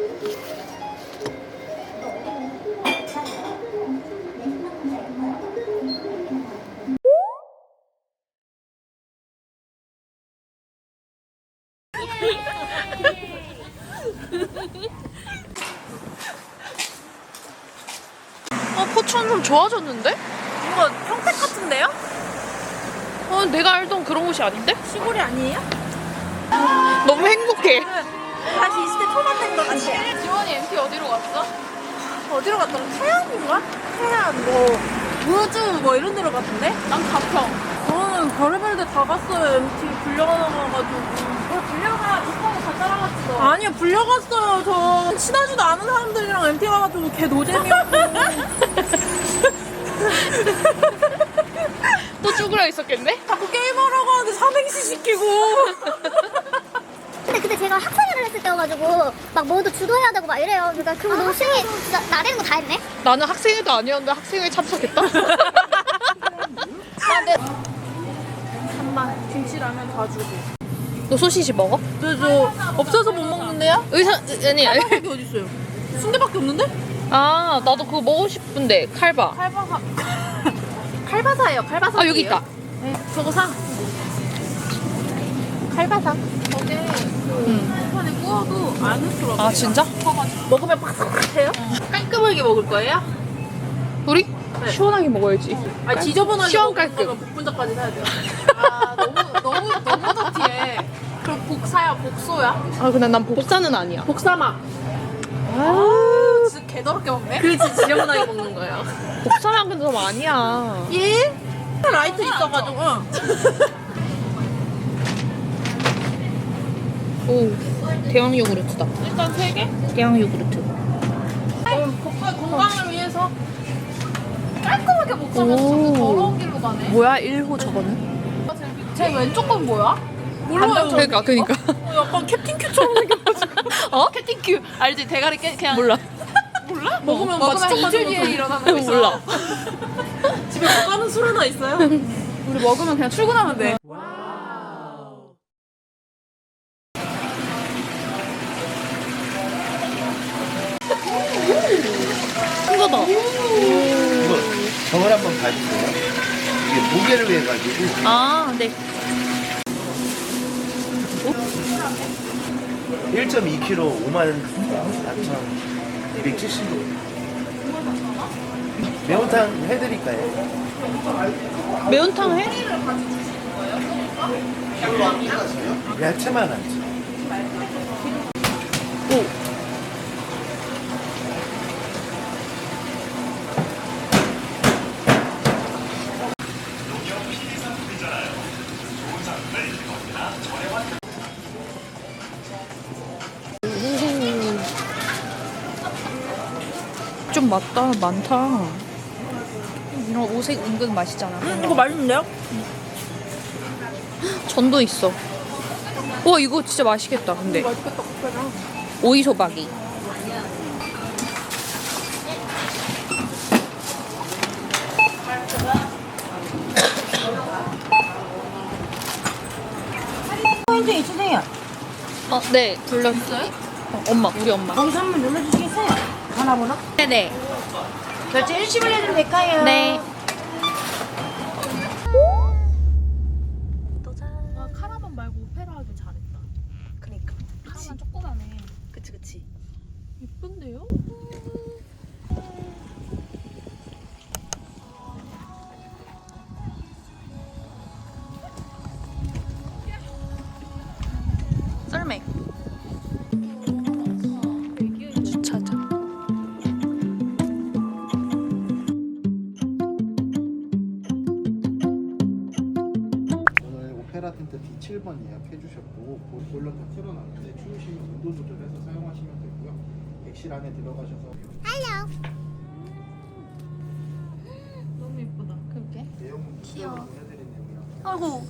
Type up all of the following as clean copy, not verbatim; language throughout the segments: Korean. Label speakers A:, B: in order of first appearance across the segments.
A: 포천 좀 좋아졌는데?
B: 뭔가 평택 같은데요?
A: 내가 알던 그런 곳이 아닌데?
B: 시골이 아니에요?
A: 너무 행복해.
B: 다시 20대 초반 된 것 같아요.
A: 지원이 MT 어디로 갔어?
B: 어디로 갔더라? 태양인가? 태양 뭐 우주 뭐 이런 데로 갔던데?
A: 난 가평.
B: 저는 별의별 데 다 갔어요. MT 불려가가지고.
A: 불려가 오빠가 다 따라갔어.
B: 아니요, 불려갔어요. 저 친하지도 않은 사람들이랑 MT 가가지고 걔 노잼이었고.
A: 또 죽으려 있었겠네?
B: 자꾸 게임하러 가는데 삼행시 시키고.
C: 근데 제가 학생회를 했을 때여가지고 막 뭐도 주도해야 되고 막 이래요. 그러니까 그거 너무 신기. 진짜 나대는 거 다 했네.
A: 나는 학생회도 아니었는데 학생회에 참석했다.
B: 잠만 김치라면 다 주고.
A: 너 소시지 먹어?
B: 저 없어서 못 먹는데요?
A: 아니.
B: 여기 어디 있어요? 순대밖에 없는데?
A: 아, 나도 그거 먹고 싶은데 칼바.
B: 칼바사. 칼바사예요. 칼바사.
A: 아, 여기 있다.
B: 네, 저거 사.
A: 칼바사.
B: 저게 본판에 구워도 안 흐트러져.
A: 아, 진짜?
B: 먹으면 바삭바삭해요? 깔끔하게 먹을 거예요?
A: 우리?
B: 네.
A: 시원하게 먹어야지.
B: 아, 지저분하게
A: 시원
B: 먹는
A: 깔끔.
B: 거면 복분자까지 사야 돼요. 아, 너무 더티해. 그럼 복사야, 복소야?
A: 아, 근데 난 복사는 아니야.
B: 복사막.
A: 아,
B: 진짜 개더럽게 먹네? 그렇지, 지저분하게 먹는 거예요.
A: 복사는 근데 좀 아니야.
B: 예? 라이트 있어가지고.
A: 오, 대왕 요구르트다.
B: 일단 3개?
A: 대왕 요구르트.
B: 건강을 위해서 깔끔하게 먹자면서
A: 오.
B: 자꾸 더러운 길로 가네.
A: 뭐야, 1호 저거는?
B: 제 왼쪽 건 뭐야? 몰라요.
A: 그러니까.
B: 약간 캡틴 큐처럼 생겨가지고.
A: 어?
B: 캡틴 큐 알지? 대가리 그냥
A: 몰라.
B: 몰라? 먹으면 마취총 맞은
A: 뒤에
B: 것처럼.
A: 일어나는 거 있어. 몰라.
B: 집에 못 가는 술 하나 있어요? 우리 먹으면 그냥 출근하면 돼.
A: 큰 거다.
D: 이거 저걸 한번 봐주세요. 이게 무게를 해가지고
A: 아, 네.
D: 1.2kg 54,270원. 매운탕 해드릴까요?
A: 매운탕 해?
D: 야채만 하지.
A: 오. 좀 많다. 이런 오색 은근 맛있잖아.
B: 이거 맛있는데요?
A: 전도 있어. 와, 이거 진짜 맛있겠다. 근데
B: 맛있겠다. 그냥.
A: 오이 소박이.
E: 포인트 있으세요?
A: 네, 불렀어요? 엄마, 우리 엄마.
E: 거기서 한번 눌러주시겠어요? 전화번호?
A: 네네.
E: 결제 일시불 해도 될까요?
A: 네.
B: 아, 카라반 말고 오페라 하길 잘했다.
E: 그니까.
B: 카라반 조그만해.
E: 그치.
B: 예쁜데요?
A: 썰매. 주차장.
D: 오늘 오페라 텐트 D7번 예약해 주셨고 보일러 다 틀어놨는데 추우시면 온도 조절해서 사용하시면 되고요. 객실 안에 들어가셔서
B: 너무 예쁘다.
A: 그렇게?
D: 내용 귀여워. 보내드린 내용이랑
B: 아이고.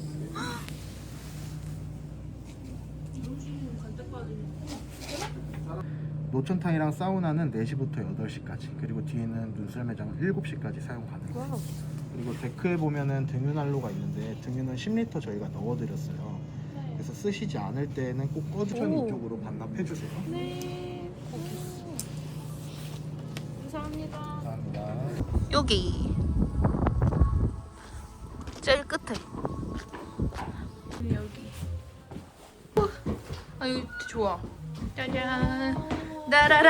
D: 노천탕이랑 사우나는 4시부터 8시까지, 그리고 뒤에는 눈썰매장은 7시까지 사용 가능해요. 그리고 데크에 보면은 등유난로가 있는데 등유는 10리터 저희가 넣어드렸어요. 그래서 쓰시지 않을 때는 꼭 꺼주셔서
A: 오.
D: 이쪽으로 반납해주세요.
B: 네.
D: 감사합니다.
A: 여기 제일 끝에. 여기. 아 여기 좋아. 짜잔. 나라라.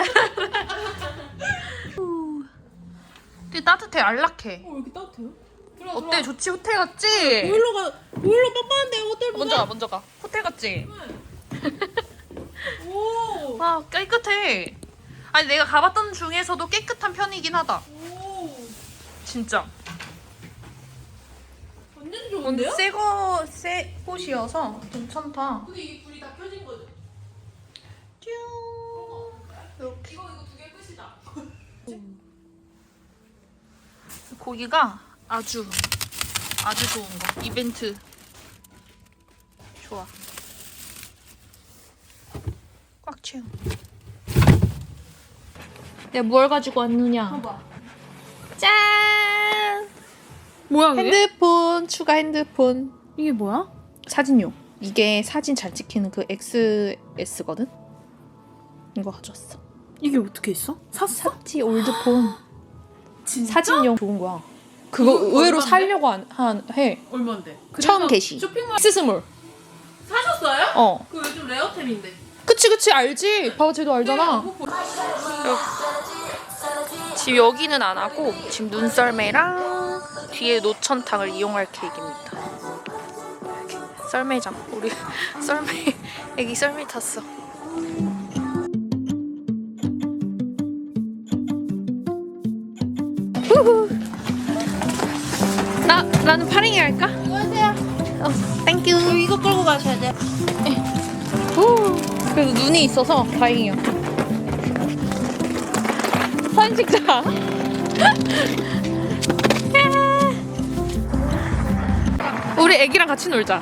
A: 되게 따뜻해, 안락해.
B: 여기 따뜻해요?
A: 어때? 좋지? 호텔 같지?
B: 보일러 빡빡한데 호텔보다?
A: 먼저 가. 호텔 같지?
B: 오.
A: 와 깨끗해. 아니 내가 가봤던 중에서도 깨끗한 편이긴 하다.
B: 오.
A: 진짜.
B: 완전 좋은데요?
A: 새 곳이어서 괜찮다.
B: 근데 이게 불이 다 켜진 거죠?
A: 뀨. 이렇게.
B: 이거 두 개 끝이다.
A: 고기가 아주 좋은 거. 이벤트. 좋아. 꽉 채워. 내가 뭘 가지고 왔느냐?
B: 봐봐.
A: 짠!
B: 뭐야
A: 핸드폰, 추가 핸드폰.
B: 이게 뭐야?
A: 사진용. 이게 사진 잘 찍히는 그 XS거든? 이거 가져왔어.
B: 이게 어떻게 있어? 샀어?
A: 샀지, 올드폰.
B: 진짜?
A: 사진용 좋은 거야. 그거 의외로
B: 얼마인데?
A: 살려고 해.
B: 얼마인데?
A: 처음 게시.
B: 쇼핑몰
A: X스몰.
B: 사셨어요?
A: 어.
B: 그거 요즘 레어템인데.
A: 그치, 알지. 봐봐, 쟤도 알잖아.
B: 네,
A: 지금 여기는 안 하고 지금 눈썰매랑 뒤에 노천탕을 이용할 계획입니다. 이렇게 썰매장. 우리 애기 썰매 탔어. 후후. 나는 파링이 할까?
C: 이거 하세요.
A: 땡큐.
C: 이거 끌고 가셔야 돼요.
A: 후. 그래도 눈이 있어서 다행이야. 사진 찍자. 우리 애기랑 같이 놀자.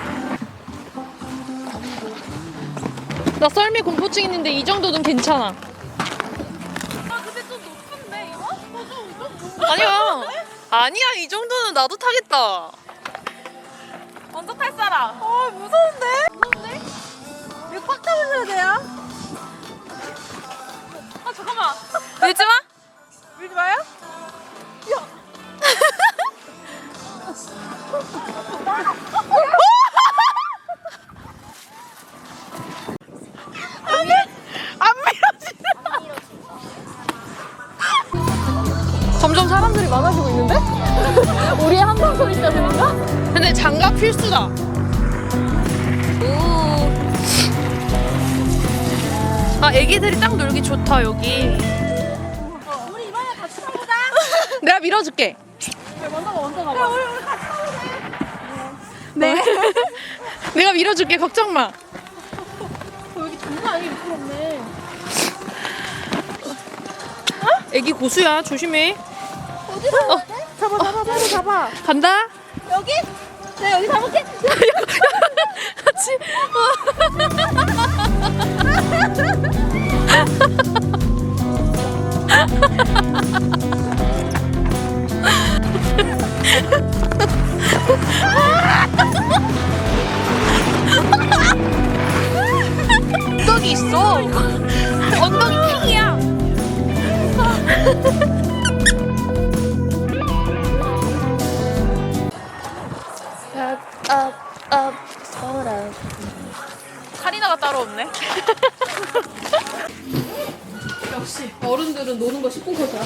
A: 나 썰매 공포증 있는데 이 정도는 괜찮아.
B: 아 근데 좀 높은데 이거?
A: 아니야 이 정도는 나도 타겠다.
B: 먼저 탈 사람.
A: 아 무서운데?
B: 이거 꽉 잡으셔야 돼요. 아 잠깐만.
A: 밀지 마.
B: 밀지 마요?
A: 안 밀어지네. 점점 사람들이 많아지고 있는데? 우리의 한방 소리 때문인가? 근데 장갑 필수다. 오. 아, 애기들이 딱 놀기 좋다, 여기.
B: 우리 이번에 같이 가보자.
A: 내가 밀어줄게.
B: 먼저 가봐. 우리 같이 가보자.
A: 네. 내가 밀어줄게, 걱정 마.
B: 여기 장난 아니게 미끄럽네.
A: 애기 고수야, 조심해.
C: 어디서?
B: 잡아.
A: 간다.
C: 여기? 네, 여기 잡을게.
A: 같이. 엉덩이 있어. 엉덩이 핑이야. 카리나가 따로 없네.
B: 역시 어른들은 노는 거 10분 컷이야.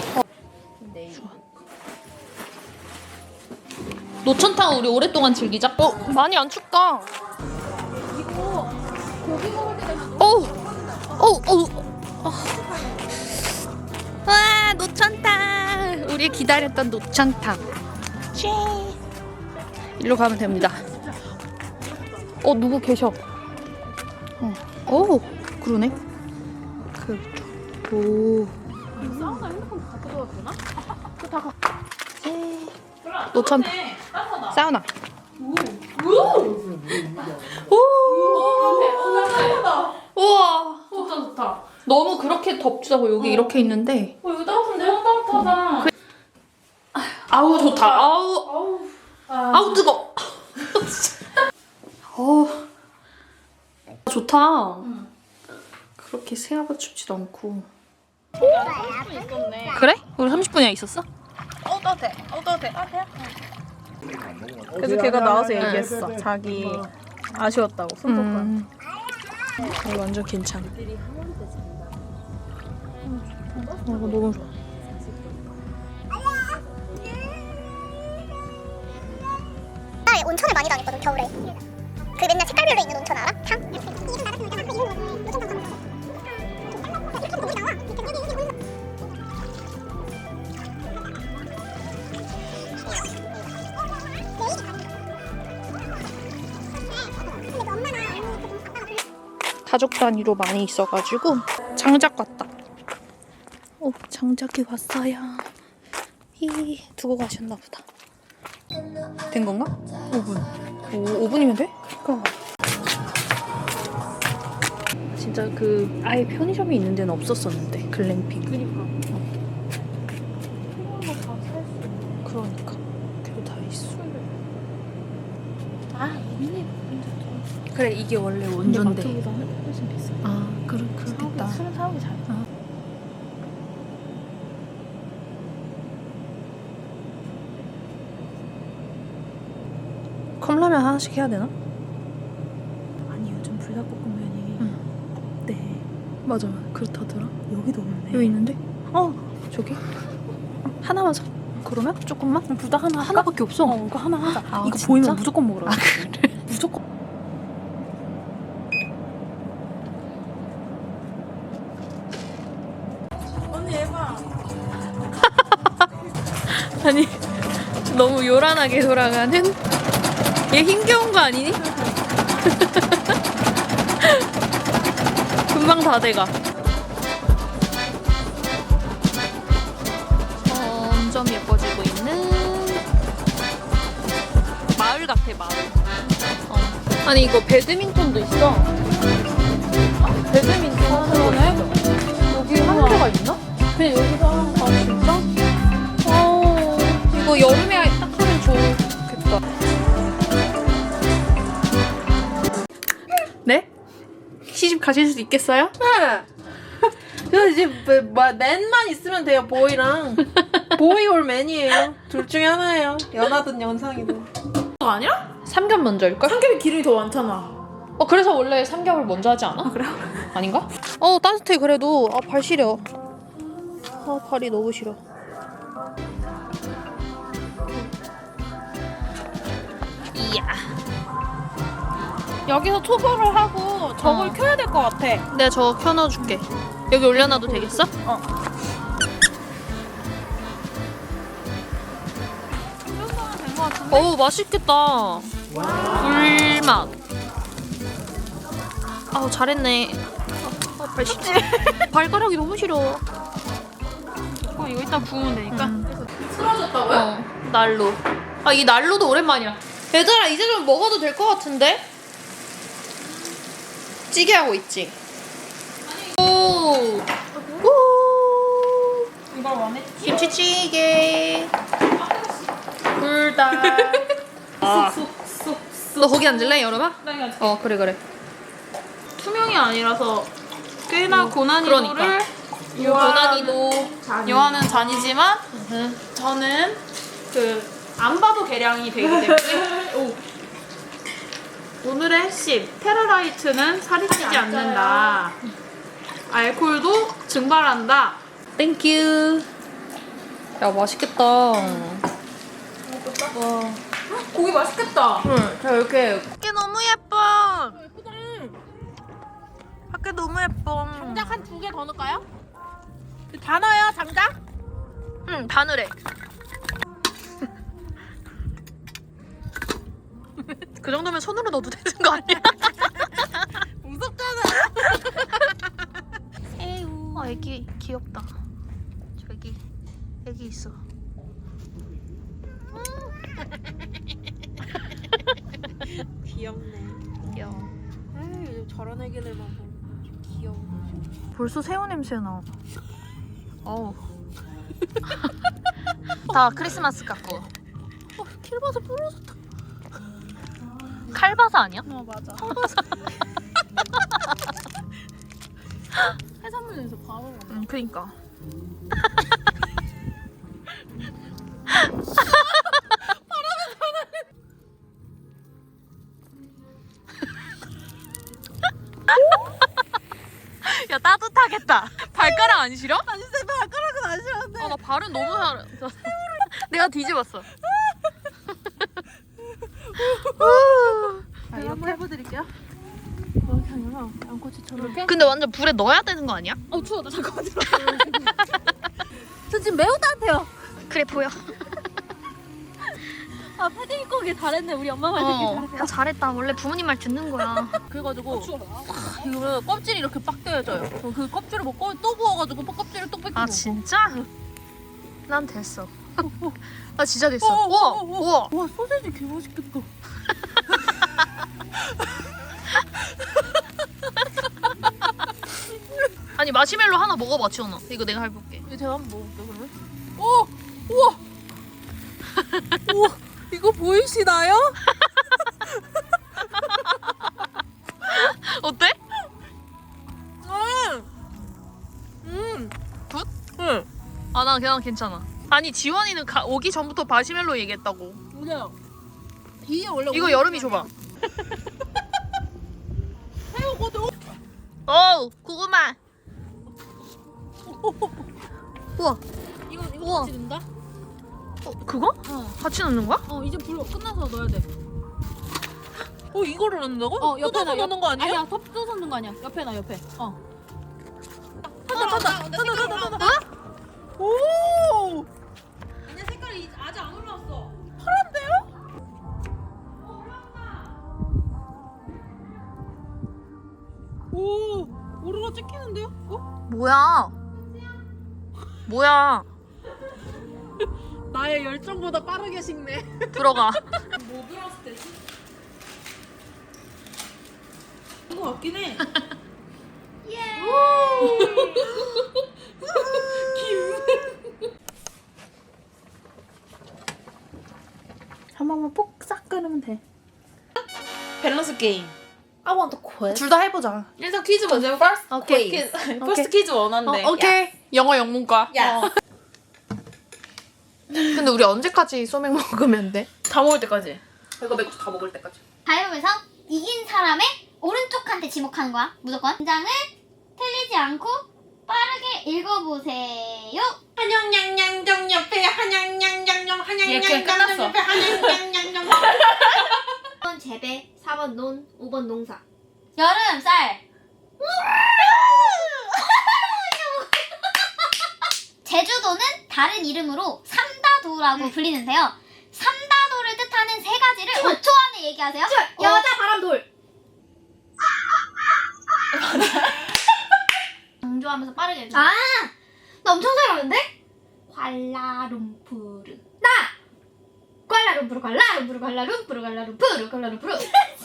A: 노천탕 우리 오랫동안 즐기자. 많이 안 춥다.
B: 이거 고기 먹을 때 되면
A: 와 노천탕. 우리 기다렸던 노천탕. 일로 가면 됩니다. 누구 계셔? 그러네. 오.
B: 사우나 핸드폰 갖고 들어가도 되나?
A: 노천탕. 사우나. 우와.
B: 좋다.
A: 너무 그렇게 덥지 않고 여기 이렇게 있는데.
B: 이거 따뜻한데? 따뜻하다.
A: 아우 좋다. 아우 뜨거. 좋다. 그렇게 생각보다 춥지도 않고.
B: 있었네.
A: 그래? 우리 30분이나 있었어?
B: 떠도 돼. 그래서 걔가 나와서 얘기했어. 자기 아쉬웠다고 손톱.
A: 이거 완전 괜찮아. 이거 너무 좋아.
C: 나 온천을 많이 다녔거든 겨울에. 그 맨날 색깔별로 있는 온천 알아? 탕?
A: 가족 단위로 많이 있어가지고 장작 왔다. 오, 장작이 왔어요. 히 두고 가셨나 보다. 된 건가? 5분. 오, 5분이면 돼? 그럼. 진짜 그 아예 편의점이 있는 데는 없었었는데 글램핑. 그러니까. 그리고 다 있어.
B: 아 있네.
A: 그래, 이게 원래 원조인데.
B: 훨씬 비싸.
A: 아, 그렇겠다.
B: 술은 사오기 잘.
A: 컵라면 하나씩 해야 되나?
E: 아니 요즘 불닭볶음면이 네
A: 맞아, 그렇다더라.
E: 여기도 없네.
A: 여기 있는데? 저기? 하나만 사. 그러면? 조금만?
E: 불닭 하나 할까?
A: 하나밖에 없어.
E: 이거 하나 하자.
A: 아,
E: 이거
A: 진짜?
E: 보이면 무조건 먹으라.
A: 아, 그래?
E: 무조건. 언니 해봐.
A: 아니, 너무 요란하게 돌아가는? 얘 힘겨운 거 아니니? 금방 다 돼가. 점점 예뻐지고 있는 마을 같아, 마을. 아니, 이거 배드민턴도 있어. 배드민턴 그러네? 여기 한 개가 있나? 그냥 여기서 아, 진짜? 이거 여름에 딱 하면 좋겠다. 네? 시집 가실 수 있겠어요?
B: 그래서 이제 맨만 있으면 돼요. 보이랑 보이 올 맨이에요. 둘 중에 하나예요. 연하든 연상이든. 아니야?
A: 삼겹 먼저일걸?
B: 삼겹이 기름이 더 많잖아.
A: 그래서 원래 삼겹을 먼저 하지 않아? 그래요? 아닌가? 따뜻해 그래도. 발 시려. 발이 너무 시려. 이야.
B: 여기서 초벌을 하고 저걸 켜야 될 것 같아.
A: 내가 저거 켜놔줄게. 여기 올려놔도 되겠어?
B: 된것 같은데?
A: 어우, 맛있겠다. 불맛. 아우, 잘했네. 발 시려. 발가락이 너무 시려.
B: 이거 이따 구우면 되니까.
A: 쓰러졌다고요? 난로. 이 난로도 오랜만이야. 얘들아, 이제 좀 먹어도 될 것 같은데? 찌개 하고 있지? 오! 오!
B: 이걸 원했지?
A: 김치찌개. 불닭. 너 거기 앉을래, 여름아?
B: 나
A: 그래.
B: 투명이 아니라서 꽤나 고난이도를
A: 그러니까.
B: 요하는
A: 고난이도.
B: 요하는 잔이지만 저는 안 봐도 계량이 되기 때문에 오늘의 핵심 테라라이트는 살이 찌지 않는다. 알코올도 증발한다.
A: 땡큐. 야, 맛있겠다.
B: 고기 맛있겠다.
A: 자, 이렇게.
B: 밖에 너무 예뻐. 밖에 너무 예뻐. 장작 한 2개 더 넣을까요? 다 넣어요, 장작?
A: 응, 바늘에. 그 정도면 손으로 넣어도 되는 거 아니야?
B: 무섭잖아.
A: 새우. 애기 귀엽다. 저기 애기 있어.
B: 귀엽네.
A: 귀여워.
B: 에이, 저런 애기들만 보면 좀 귀여워.
A: 벌써 새우 냄새 나. 어우. 다 크리스마스 같고. 킬바사 부러졌다. 칼바사 아니야?
B: 맞아.
E: 해산물에서 바로
A: 응, 그니까. 야, 따뜻하겠다. 발가락 안 시려?
B: 아니 쌤 발가락은 안 싫었는데.
A: 나 발은 너무 잘. 내가 뒤집었어.
B: 자, 이렇게 해보드릴게요.
E: 이렇게 아니라 양꼬치처럼. 이렇게?
A: 근데 완전 불에 넣어야 되는 거 아니야?
E: 추워. 나 잠깐만 들어. 저 지금 매우 따뜻해요.
A: 그래 보여.
E: 아 패딩 입고 오길 잘했네. 우리 엄마 말 듣길 잘했어.
A: 잘했다. 원래 부모님 말 듣는 거야.
B: 그래가지고 이거 껍질이 이렇게 빡 떼어져요. 그 껍질을 먹고 또 구워가지고 껍질을 또 뺏기고.
A: 아 진짜? 난 됐어. 나 진짜 됐어.
B: 우와,
A: 우와.
B: 와 소세지 개 맛있겠다.
A: 아니 마시멜로 하나 먹어봐 지원아. 이거 내가 해볼게.
B: 이거 제가 한번 먹어볼게요 그러면. 오! 우와! 우와! 이거 보이시나요?
A: 어때?
B: 굿? 응.
A: 아 난 그냥 괜찮아. 아니 지원이는 오기 전부터 마시멜로 얘기했다고.
B: 맞아요. 이게 원래
A: 이거 여름이 줘봐.
B: 새우거든.
A: 어우 고구마. 우와.
E: 이거
A: 우와.
E: 같이 넣는다?
A: 그거? 같이 넣는 거야?
E: 이제 불 끝나서 넣어야 돼.
B: 이거를 넣는다고?
E: 옆에
B: 뜯어서 넣는 거 아니에요?
E: 아니야, 덮어서 넣는 거 아니야. 옆에 나 옆에.
B: 탄다. 오!
E: 아니야, 색깔이 아직 안 올라왔어.
B: 오! 오로라 찍히는데요?
A: 뭐야? 뭐야?
B: 나의 열정보다 빠르게 식네.
A: 들어가.
E: 뭐 들었을 때지?
B: 이거 같긴 해.
E: 한 번만 뽁싹 끓으면 돼.
B: 밸런스 게임.
E: I want to quit.
A: 둘 다 해보자.
B: 일단 퀴즈 먼저 해볼까?
A: 오케이.
B: 퍼스트 퀴즈 원한데.
A: 오케이. 영어 영문과.
B: 야.
A: 근데 우리 언제까지 소맥 먹으면 돼?
B: 다 먹을 때까지. 이거 맥주 다 먹을 때까지.
C: 가위바위보에서 이긴 사람의 오른쪽한테 지목하는 거야. 무조건. 문장을 틀리지 않고 빠르게 읽어보세요.
B: 한양양양정 옆에 한양양양정
E: 이렇게 끝났어.
B: 옆에 한양양양정.
C: 1번 재배, 4번 논, 5번 농사. 여름, 쌀. 제주도는 다른 이름으로 삼다도라고 불리는데요. 삼다도를 뜻하는 세 가지를 5초 안에 얘기하세요. 여자, 바람, 돌. 강조하면서 빠르게 해줘. 아, 나 엄청 잘하는데? 괄라룸푸르. 나! 괄라룸푸르, 괄라룸푸르, 괄라룸푸르, 괄라룸푸르, 괄라룸푸르. 왜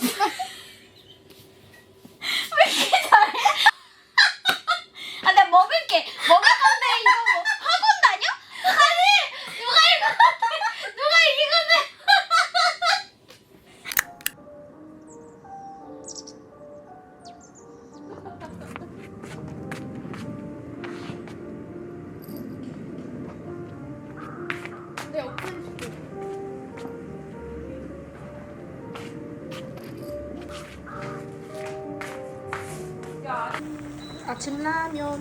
C: 이렇게 잘해? 아, 나 먹을게. 먹을 건데 이거 뭐 학원 다녀? 아니, 누가 읽었는데? 누가 읽었는데?
A: 아침 라면.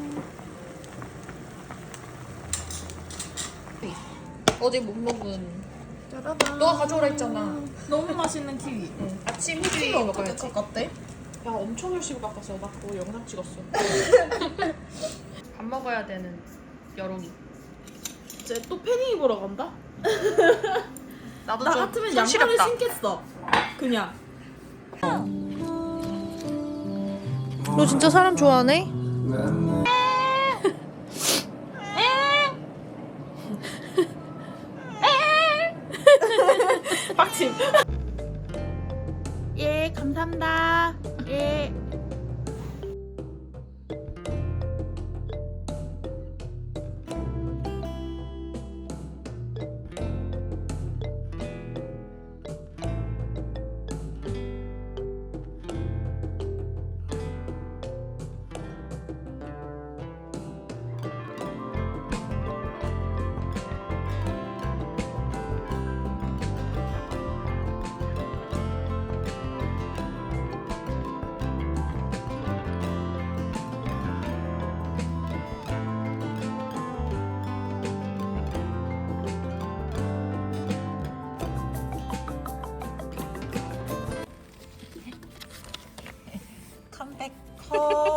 A: 어제 못 먹은. 너가 가져오라 했잖아.
B: 너무 맛있는 키위.
A: 아침 후기 먹어야지.
B: 어때?
E: 야, 엄청 열심히 바꿨어. 나 그거 영상 찍었어.
A: 밥 먹어야 되는 여름이.
B: 이제 또 패딩 입으러 간다?
A: 나도
B: 나
A: 좀
B: 같으면
A: 손시렵다.
B: 양말을 신겠어. 그냥.
A: 너 진짜 사람 좋아하네?
B: 빡침.
E: 예, 감사합니다. 예.
B: 서